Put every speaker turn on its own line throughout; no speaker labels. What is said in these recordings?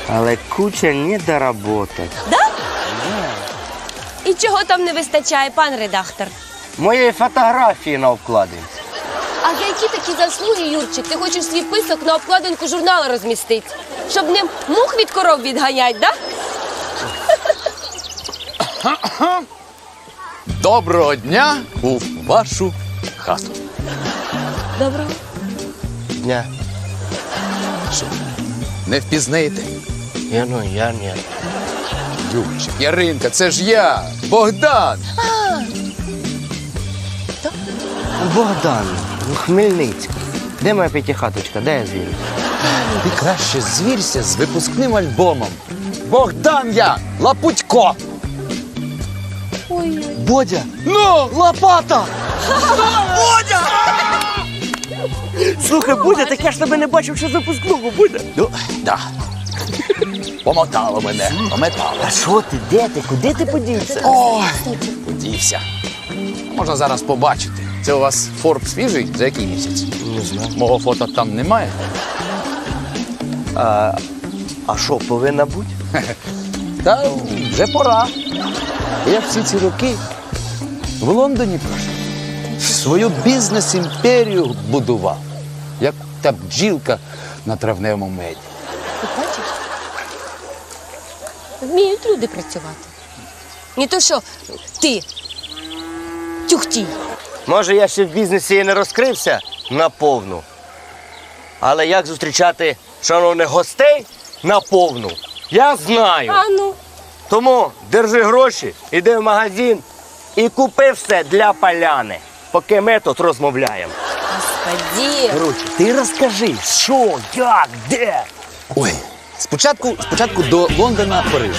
Але куча недоработок.
Да? І чого там не вистачає, пан редактор?
Моєї фотографії на обкладинці.
А за які такі заслуги, Юрчик, ти хочеш свій писок на обкладинку журналу розмістити? Щоб ним мух від коров відганять, да?
Доброго дня у вашу хату.
Доброго.
Дня.
Що, не впізнаєте?
Я ні.
Юрчик, Яринка, це ж я, Богдан.
Богдан, Хмельницький. Де моя п'ятихаточка? Де я звірю?
Ти краще звірся з випускним альбомом. Богдан я, Лапутько.
Ой-ой.
Бодя, ну, лопата.
Слухай, Будя, так я ж тебе не бачив, що з випускного буде.
Ну, да. Помотало мене, пометало.
А що ти? Де ти? Куди ти подівся?
Ой, подівся. Можна зараз побачити. Це у вас Форб свіжий? За який місяць?
Не знаю.
Мого фото там немає.
А що, повинна бути?
Та вже пора. Я всі ці роки в Лондоні прожив. Свою бізнес-імперію будував, як та бджілка на травневому меді.
Ти бачиш? Вміють люди працювати. Не то, що ти тюхтій.
Може, я ще в бізнесі і не розкрився наповну. Але як зустрічати шановних гостей наповну, я знаю.
А ну.
Тому держи гроші, іди в магазин і купи все для поляни, поки ми тут розмовляємо.
Господи.
Короче, ти розкажи, що, як, де?
Ой, спочатку до Лондона Париж.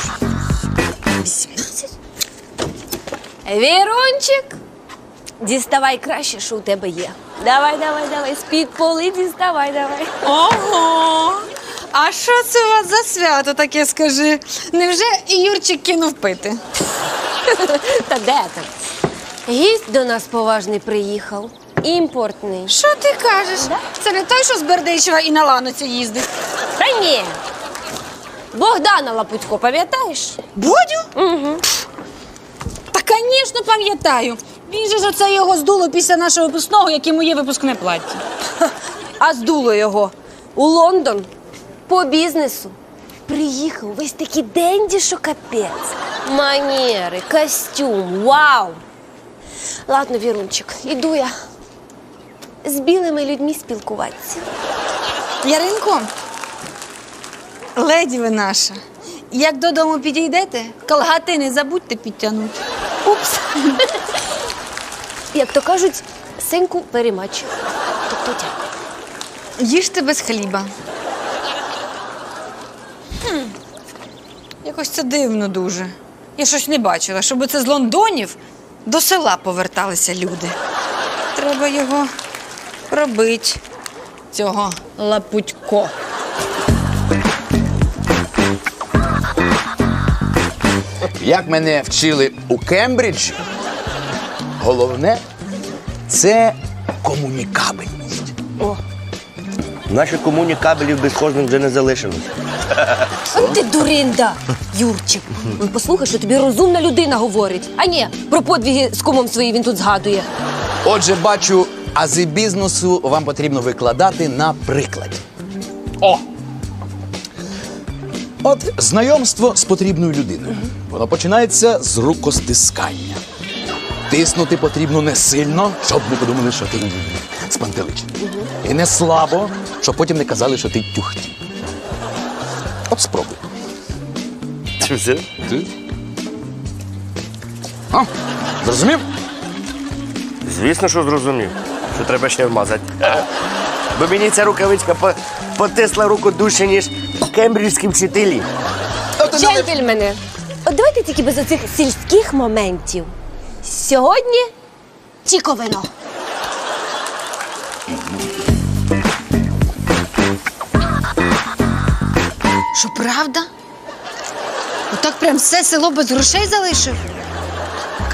18? Вірунчик, діставай краще, що у тебе є. Давай, з-під поли діставай, давай.
Ого! А що це у вас за свято таке, скажи? Невже і Юрчик кинув пити?
Та де там? Гість до нас поважний приїхав. Імпортний.
Що ти кажеш? Це не той, що з Бердичева і на ланоцю їздить.
Та ні. Богдана Лапутько, пам'ятаєш?
Бодю? Угу. Та, звісно, пам'ятаю. Він же ж оце його здуло після нашого випускного, як і моє випускне плаття.
А здуло його у Лондон по бізнесу. Приїхав весь такий денді, що капець. Манери, костюм, вау! Ладно, Вірунчик, іду я з білими людьми спілкуватися.
Яринко, леді ви наша, як додому підійдете, колгати не забудьте підтягнути.
Упс. Як то кажуть, синку перемач. Тобто дякую.
Їжте без хліба. Якось це дивно дуже. Я щось не бачила, щоб це з Лондонів до села поверталися люди. Треба його пробити, цього Лапутько.
Як мене вчили у Кембриджі, головне – це комунікабельність.
Наші комунікабелів безхожних вже не залишилось.
Ти дуринда, Юрчик. Ну, послухай, що тобі розумна людина говорить. А ні, про подвиги з кумом своїм він тут згадує.
Отже, бачу, ази бізнесу вам потрібно викладати на прикладі. О! От знайомство з потрібною людиною. Воно починається з рукостискання. Тиснути потрібно не сильно, щоб не подумали, що ти спантеличений. І не слабо, щоб потім не казали, що ти тюхтій. От спробуй.
Це все?
Ти? А, зрозумів?
Звісно, що зрозумів, що треба ще вмазати. Бо мені ця рукавичка потисла руку дужче, ніж кембриджські вчителі.
Джентльмени, от давайте тільки без оцих сільських моментів. Сьогодні тільки вино.
Що, правда? Отак прям все село без грошей залишив?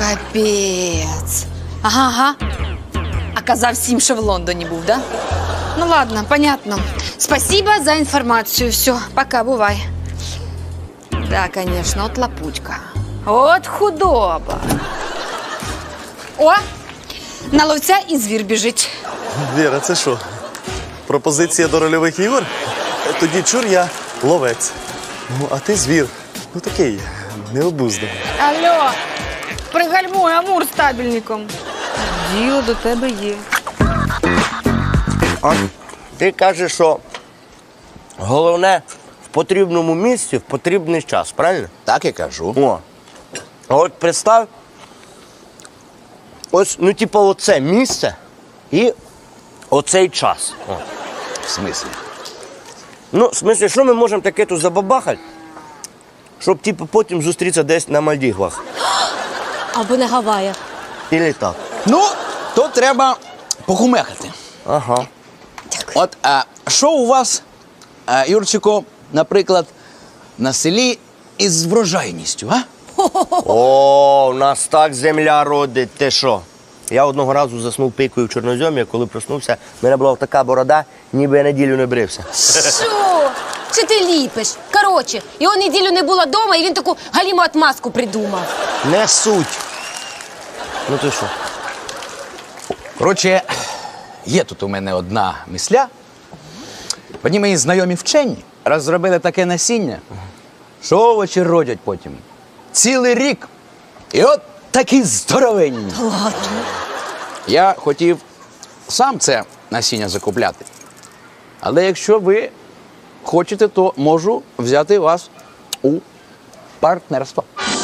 Капець. Ага. А казав всім, що в Лондоні був, да? Ну ладно, понятно. Спасибо за информацию. Все, пока, бывай. Да, конечно, от лапутька. От худоба. О, на ловця і звір біжить.
Віра, це що? Пропозиція до рольових ігор? Тоді чур я ловець. Ну, а ти звір. Ну такий, необузданий.
Алло, пригальмуй Амур з табельником. Діло до тебе є.
А ти кажеш, що головне в потрібному місці в потрібний час, правильно?
Так і кажу.
О. А от представ, ось, ну, типу, оце місце і оцей час. О.
В смислі?
Ну, в смислі, що ми можемо таке тут забабахати, щоб, типу, потім зустрітися десь на Мальдівах.
Або на Гаваях.
Ілі так.
Ну, то треба похумехати.
Ага.
От, а що у вас, Юрчику, наприклад, на селі із врожайністю, а?
О, у нас так земля родить. Ти що? Я одного разу заснув пикою в чорноземі, а коли проснувся, в мене була така борода, ніби я неділю не брився.
Що? Чи ти ліпиш? Коротше, його неділю не було вдома, і він таку галіму отмазку придумав.
Не суть. Ну ти що?
Коротше, є тут у мене одна мисля. Одні мої знайомі вчені розробили таке насіння, що овочі родять потім. Цілий рік. І от такі здоровенні.
Ладно.
Я хотів сам це насіння закупляти. Але якщо ви хочете, то можу взяти вас у партнерство.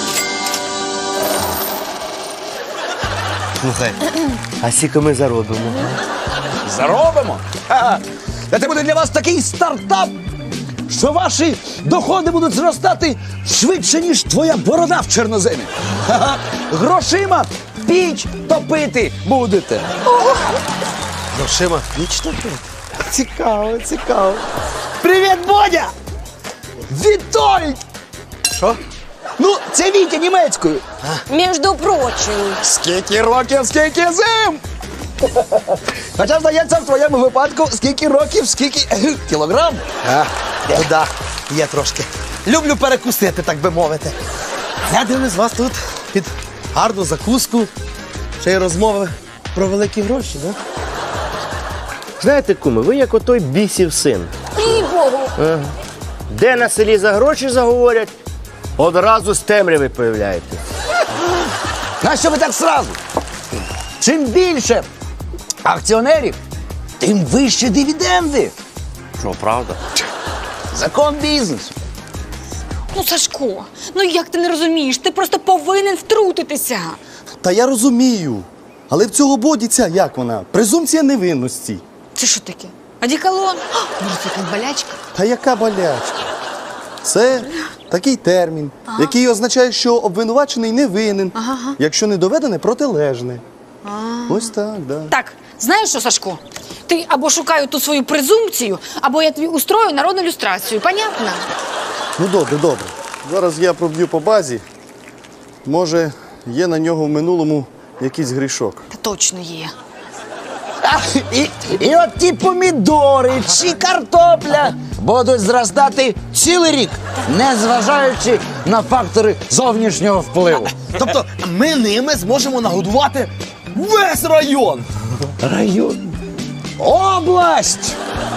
Слухай, а скільки ми заробимо?
Заробимо! Ха-ха. Та це буде для вас такий стартап, що ваші доходи будуть зростати швидше, ніж твоя борода в чорноземі. Ха-ха. Грошима піч топити будете.
Грошима вічно пити?
Цікаво, цікаво. Привіт, Бодя! Вітольд! Що? Ну, це Вітя німецькою.
Між прочим.
Скільки років, скільки зим! Хоча, здається, в твоєму випадку скільки років, скільки кілограм.
Ну да, є трошки. Люблю перекусити, так би мовити. Я дивлюсь вас тут під гарну закуску, ще й розмови про великі гроші, да?
Знаєте, куми, ви як отой бісів син.
І Богу.
Де на селі за гроші заговорять, одразу з темряви появляєтесь.
Нащо ви так сразу? Чим більше акціонерів, тим вищі дивіденди.
Що, правда?
Закон бізнесу.
Ну, Сашко, ну як ти не розумієш? Ти просто повинен втрутитися.
Та я розумію. Але в цього бодіця, як вона? Презумпція невинності.
Це що таке? Одеколон? Може, це якась болячка?
Та яка болячка? Це такий термін, який означає, що обвинувачений не винен, якщо не доведене протилежне. Ось так, да.
Так, знаєш що, Сашко? Ти або шукаю ту свою презумпцію, або я тобі устрою народну люстрацію. Понятно?
Ну добре, добре. Зараз я проб'ю по базі. Може, є на нього в минулому якийсь грішок.
Та точно є.
І от ті помідори чи картопля будуть зростати цілий рік, незважаючи на фактори зовнішнього впливу.
Тобто ми ними зможемо нагодувати весь район.
Район. Область!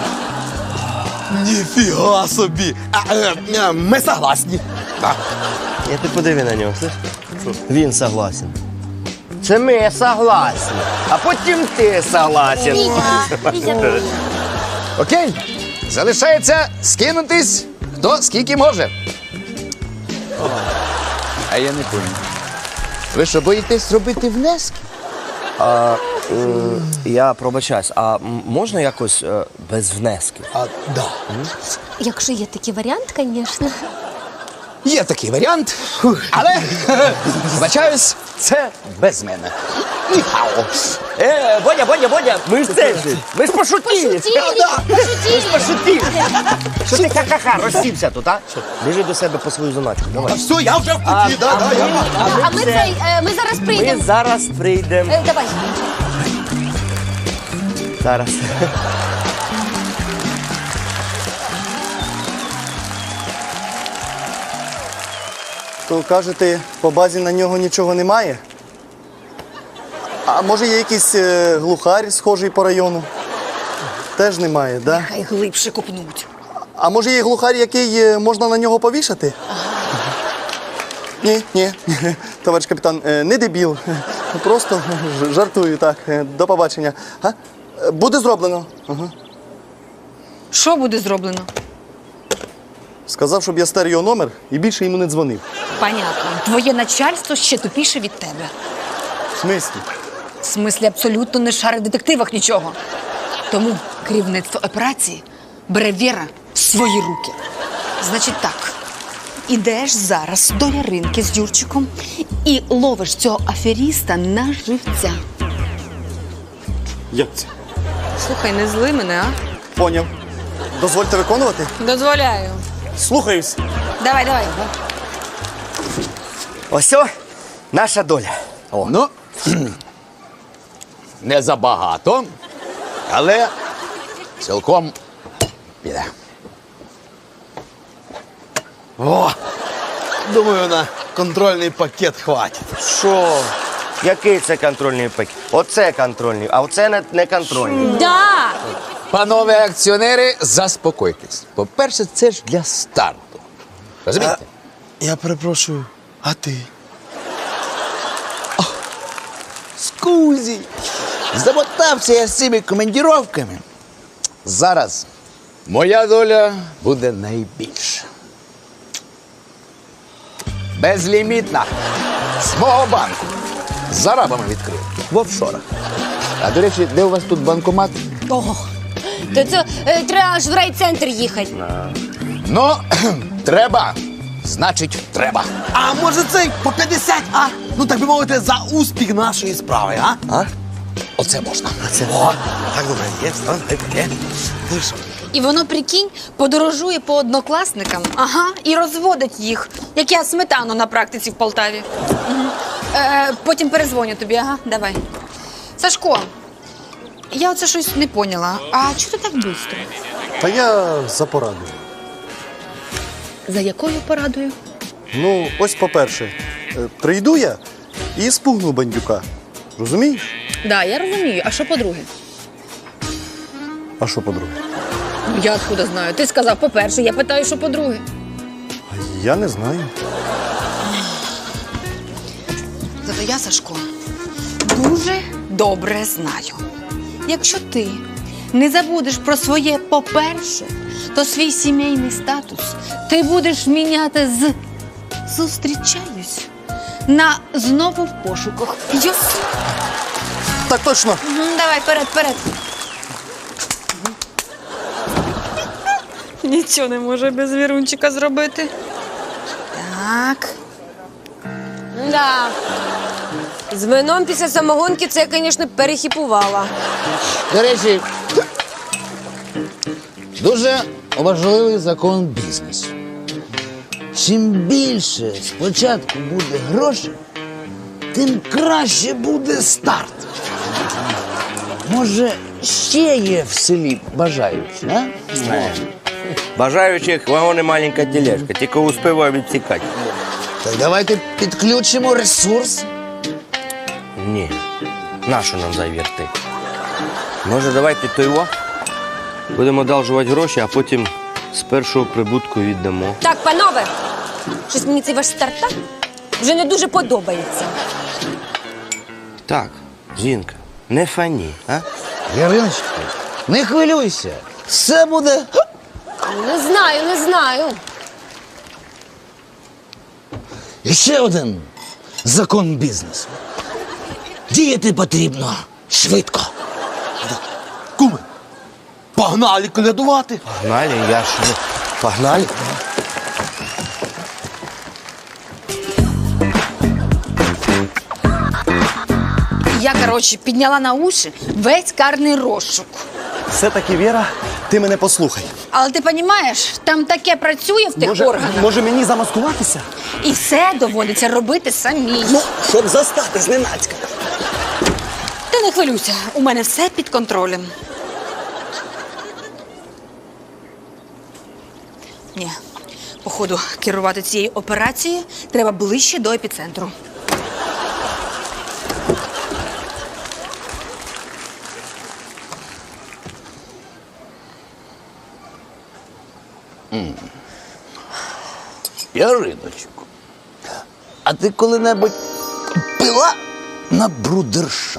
Ніфіга собі. Ми согласні.
Я ти подиви на нього, слиш? Він согласен. Це ми согласні, а потім ти согласен.
Окей? Залишається скинутись, хто скільки може. А я не понял. Ви що, боїтесь робити внески?
Я пробачаюсь, а можна якось без внесків?
Да.
Якщо є такий варіант, звісно.
Є такий варіант, але, вибачаюсь, це без мене. Ніхао.
Бодя, ми ж це ж, ми ж пошутили. Пошутили. Що ти ха-ха-ха, розсівся тут, а? Біжи до себе по свою заначку, давай.
Все, я вже в путі,
А ми зараз
Ми
прийдемо.
зараз прийдемо.
Давай.
Зараз.
То кажете, по базі на нього нічого немає? А може є якийсь глухар, схожий по району? Теж немає, да?
Хай глибше копнуть.
А може є глухар, який можна на нього повішати? Ні, товариш капітан, не дебіл. Просто жартую, так. До побачення. А? Буде зроблено. Ага.
Що буде зроблено?
Сказав, щоб я стер його номер і більше йому не дзвонив.
Понятно. Твоє начальство ще тупіше від тебе.
В смислі?
В смислі, абсолютно не шарить в детективах нічого. Тому керівництво операції бере Віра в свої руки. Значить так, ідеш зараз до Яринки з Юрчиком і ловиш цього аферіста на живця.
Як це?
Слухай, не зли мене, а?
Поняв. Дозвольте виконувати?
Дозволяю.
Слухаюсь.
Давай.
Ось о, наша доля.
Ну, не забагато, але цілком піде.
О! Думаю, на контрольний пакет хватить.
Що? Який це контрольний пакет? Оце контрольний, а оце не контрольний.
Да!
Панове акціонери, заспокойтесь. По-перше, це ж для старту. Розумієте?
Я перепрошую, а ти?
Скузі! Замотався я з цими командіровками. Зараз моя доля буде найбільша. Безлімітна. З мого банку. З арабами відкрив. В офшорах. А до речі, де у вас тут банкомат?
Ого. То це треба аж в райцентр їхати.
Ну, треба. Значить, треба.
А може цей по 50, а? Ну, так би мовити, за успіх нашої справи, а?
Оце можна.
О, так добре, є, давай таке. Ну що?
І воно, прикинь, подорожує по однокласникам, ага, і розводить їх, як я сметану на практиці в Полтаві. Потім перезвоню тобі, ага, давай. Сашко, я оце щось не поняла. А чого ти так швидко?
Та я за порадою.
За якою порадою?
Ну, ось по-перше, прийду я і спугну бандюка. Розумієш?
Да, я розумію. А що по-друге?
А що по-друге?
Я откуда знаю. Ти сказав по-перше, я питаю, що по-друге.
Я не знаю.
Зато я, Сашко, дуже добре знаю. Якщо ти не забудеш про своє по-перше, то свій сімейний статус ти будеш міняти з «зустрічаюсь» на «знову в пошуках». Йос.
Так точно.
Давай, вперед. Нічого не може без вірунчика зробити. Так.
Да. З вином після самогонки це я, звісно, перехіпувала.
До речі, дуже важливий закон бізнесу. Чим більше спочатку буде грошей, тим краще буде старт. Може, ще є в селі бажаючі, а?
Бажаючих вагони маленька тележка, тільки успіваю відсікати.
Так давайте підключимо ресурс.
Ні, нащо нам завірти? Може, давайте той будемо одалжувати гроші, а потім з першого прибутку віддамо.
Так, панове, щось мені цей ваш стартап вже не дуже подобається.
Так, жінка, не фані, а?
Яриночка, не хвилюйся. Все буде.
Не знаю.
І ще один закон бізнесу. Діяти потрібно швидко.
Куми, погнали колядувати.
Погнали, я ж не... Погнали.
Я, коротше, підняла на уші весь карний розшук.
Все-таки, Віра, ти мене послухай.
Але ти розумієш, там таке працює в тих органах.
Може мені замаскуватися?
І все доводиться робити самій.
Ну, щоб застати зненацька.
Ти не хвилюйся, у мене все під контролем. Ні, походу, керувати цією операцією треба ближче до епіцентру.
Яриночко, а ти коли-небудь пила на брудерша?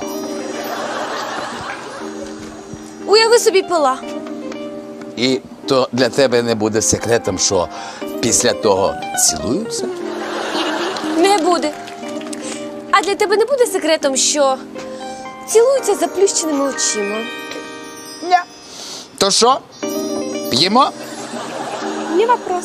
Уяви собі пила.
І то для тебе не буде секретом, що після того цілуються?
Не буде. А для тебе не буде секретом, що цілуються з заплющеними очима.
Ні. То що? П'ємо?
Не вопрос.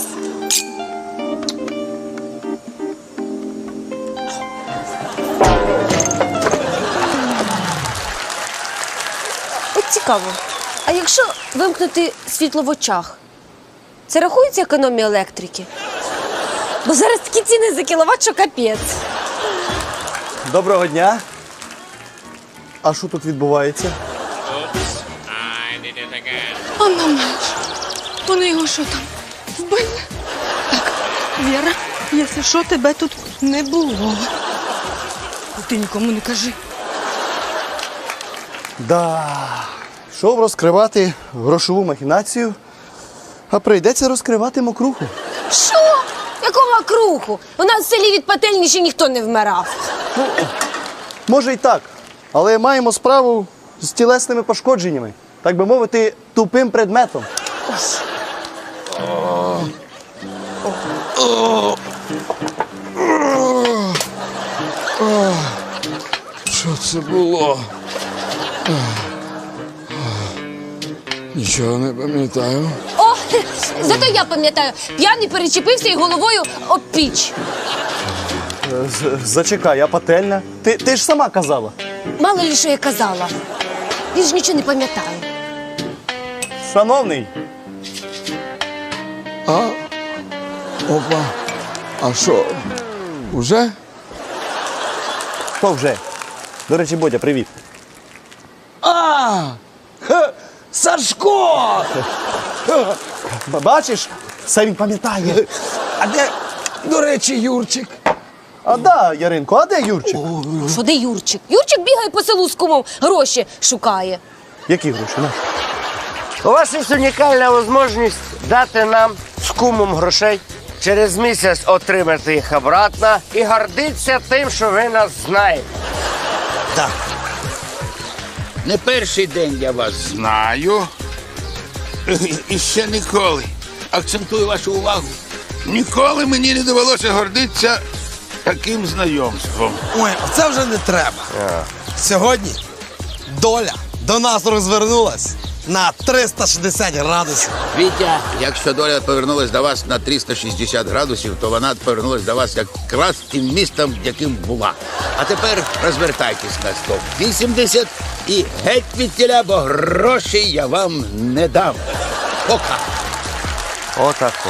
От цікаво. А якщо вимкнути світло в очах, це рахується економія електрики? Бо зараз такі ціни за кіловат, що капець.
Доброго дня. А що тут відбувається?
А мама, вони його що там, вбили? Так, Віра, якщо що, тебе тут не було. Ти нікому не кажи.
Да. Йшов розкривати грошову махінацію, а прийдеться розкривати мокруху.
Що? Якого макруху? У нас в селі від пательні ще ніхто не вмирав.
Може й так, але маємо справу з тілесними пошкодженнями, так би мовити, тупим предметом.
Що це було? Нічого не пам'ятаю.
О, зато я пам'ятаю, п'яний перечепився і головою об піч.
Зачекай, а пательня? Ти ж сама казала.
Мало ли, що я казала. Він ж нічого не пам'ятає.
Шановний,
Опа. А що? Уже?
хто вже? До речі, Бодя, привіт.
Сашко!
Бачиш, все він пам'ятає.
А де, до речі, Юрчик?
А да, Яринко, а де Юрчик?
Що де Юрчик? Юрчик бігає по селу з кумом, гроші шукає.
Які гроші? На?
У вас є унікальна можливість дати нам з кумом грошей, через місяць отримати їх обратно і гордитися тим, що ви нас знаєте.
Не перший день я вас знаю. І ще ніколи. Акцентую вашу увагу. Ніколи мені не довелося гордитися таким знайомством.
Ой, оце вже не треба. Сьогодні доля до нас розвернулась на 360 градусів.
Вітя, якщо доля повернулась до вас на 360 градусів, то вона повернулась до вас якраз тим містом, яким була. А тепер розвертайтесь на 180 і геть від тіля, бо грошей я вам не дам. Пока.
Отако.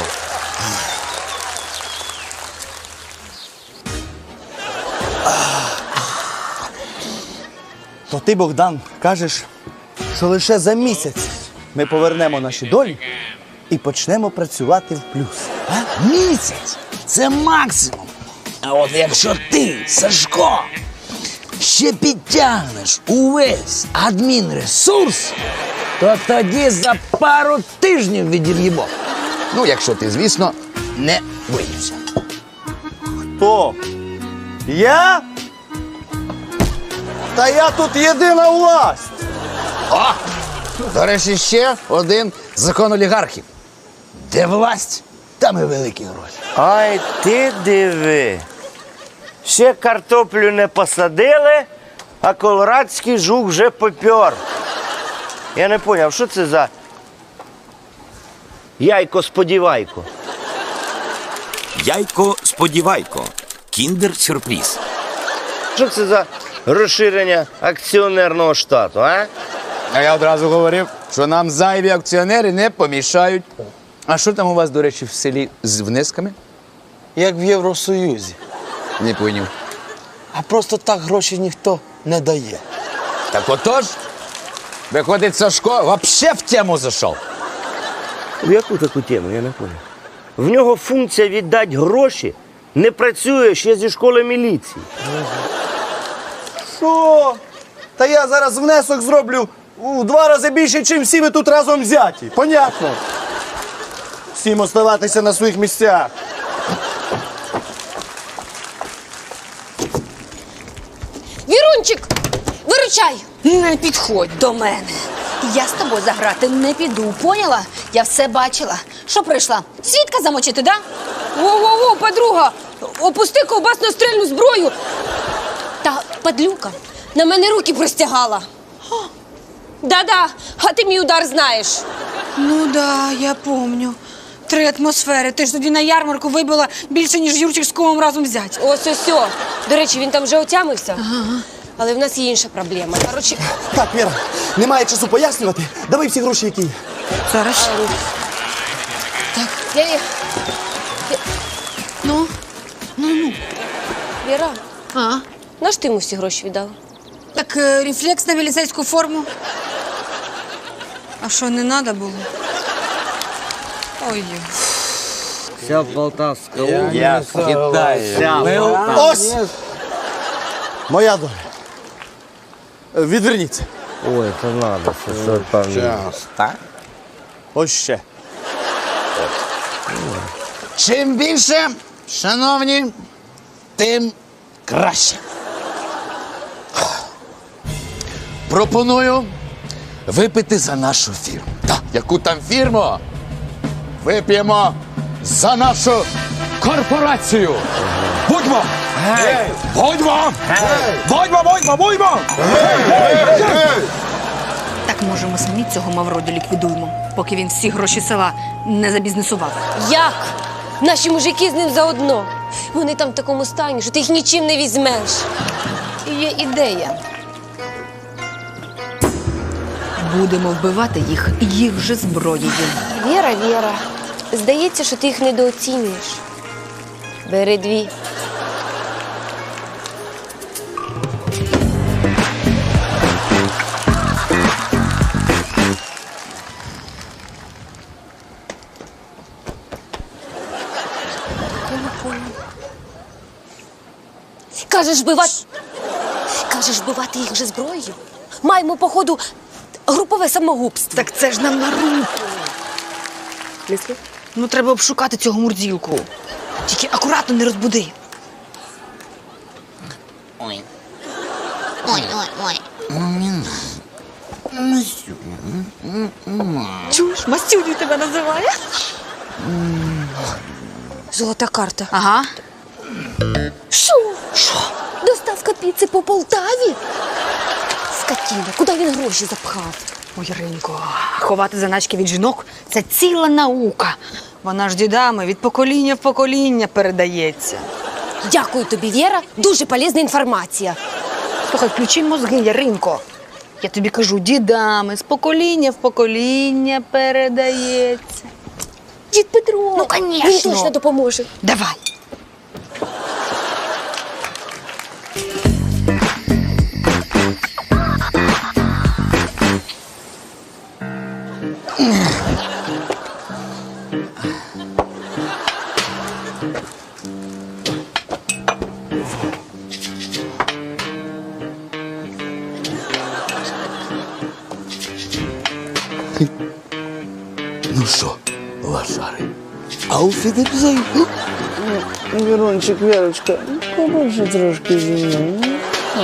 То ти, Богдан, кажеш, що лише за місяць ми повернемо наші долі і почнемо працювати в плюс.
Місяць – це максимум. А от якщо ти, Сашко, ще підтягнеш увесь адмінресурс, то тоді за пару тижнів відіб'ємо. Ну, якщо ти, звісно, не виївся.
Хто? Я? Та я тут єдина власть.
О! До речі, ще один закон олігархів. Де власть, там і великі гроші.
Ай, ти диви. Ще картоплю не посадили, а колорадський жук вже попер. Я не зрозумів, що це за яйко-сподівайко?
Яйко-сподівайко. Кіндер-сюрприз.
Що це за розширення акціонерного штату, а?
А я одразу говорив, що нам зайві акціонери не помішають. А що там у вас, до речі, в селі з внесками?
Як в Євросоюзі.
Не поняв.
А просто так гроші ніхто не дає.
Так отож, виходить, Сашко вообще в тему зайшов.
В яку таку тему, я не зрозумів. В нього функція віддати гроші не працює ще зі школи міліції.
Що? Та я зараз внесок зроблю у 2 рази більше, ніж всі ви тут разом взяті. Понятно? Всім оставатися на своїх місцях.
Вірунчик, виручай!
Не підходь до мене. Я з тобою заграти не піду, поняла? Я все бачила. Що прийшла? Свідка замочити, да?
Во-во-во, подруга, опусти ковбасно-стрільну зброю. Та падлюка на мене руки простягала. Да-да, а ти мій удар знаєш.
Ну да, я помню. 3 атмосфери. Ти ж тоді на ярмарку вибила більше, ніж Юрчик з Комом разом взять.
Ось. До речі, він там вже отямився. Але в нас є інша проблема. Коротше,
Так, Віра, немає часу пояснювати. Давай всі гроші, які є.
Зараз.
я...
Ну?
Віра,
А?
наш ти йому всі гроші віддала?
Так рефлекс на міліцейську форму. А що, не треба було? Ой.
Вся Полтавська область Китаю.
Ось! Моя доля. Відверніться.
Ой, це надо, що там.
Ось ще.
Чим більше, шановні, тим краще.
Пропоную випити за нашу фірму. Так, яку там фірму? Вип'ємо за нашу корпорацію. Будьмо! Будьмо! Будьмо!
Так, може, ми самі цього Мавроді ліквідуємо, поки він всі гроші села не забізнесував.
Як? Наші мужики з ним заодно. Вони там в такому стані, що ти їх нічим не візьмеш.
Є ідея. Будемо вбивати їх же зброєю.
Віра, здається, що ти їх недооцінюєш. Бери 2. Кажеш, вбивати їх вже зброєю? Маємо, походу, групове самогубство.
Так це ж нам на руку. Ну, треба обшукати цього мурзілку. Тільки акуратно не розбуди.
Ой.
Чуєш, Мастюню тебе називає?
Золота карта.
Ага.
Що? Доставка піци по Полтаві? Скотіна, куди він гроші запхав?
Ой, Ринко, ховати заначки від жінок – це ціла наука. Вона ж дідами від покоління в покоління передається.
Дякую тобі, Віра. Дуже полезна інформація.
Слухай, включи мозги, Яринко. Я тобі кажу, дідами з покоління в покоління передається.
Дід Петро.
Ну, конечно.
Він точно допоможе.
Давай.
Ну що, лошари? Ауфідерзейн.
Вірончик, Вірочка, побольше трошки зі мною.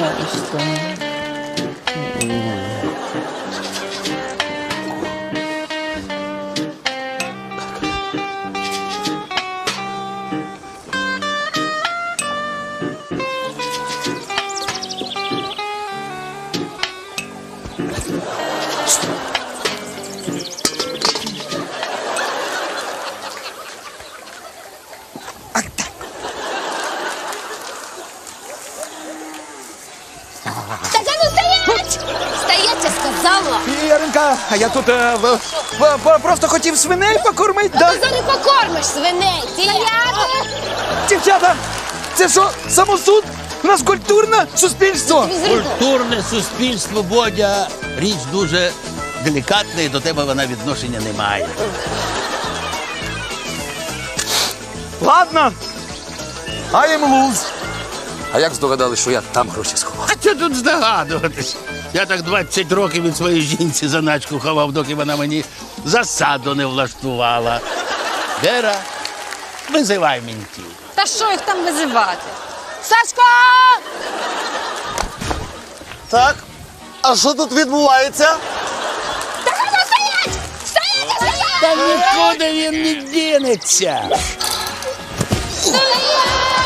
Так, а ну стоять! Стоять, я сказала!
Яринка, а я тут просто хотів свиней покормити, да?
Ти зараз покормиш свиней! Стояти!
Дівчата, це що, самосуд? У нас культурне суспільство.
Культурне суспільство, Бодя, річ дуже делікатна, і до тебе вона відношення не має.
Ладно. I am lose. А як здогадались, що я там гроші сховав?
А що тут здогадуватись? Я так 20 років від своєї жінці заначку ховав, доки вона мені засаду не влаштувала. Вера, визивай ментів.
Та що їх там визивати? Сашко!
Так, а що тут відбувається?
Та нікуди він не дінеться.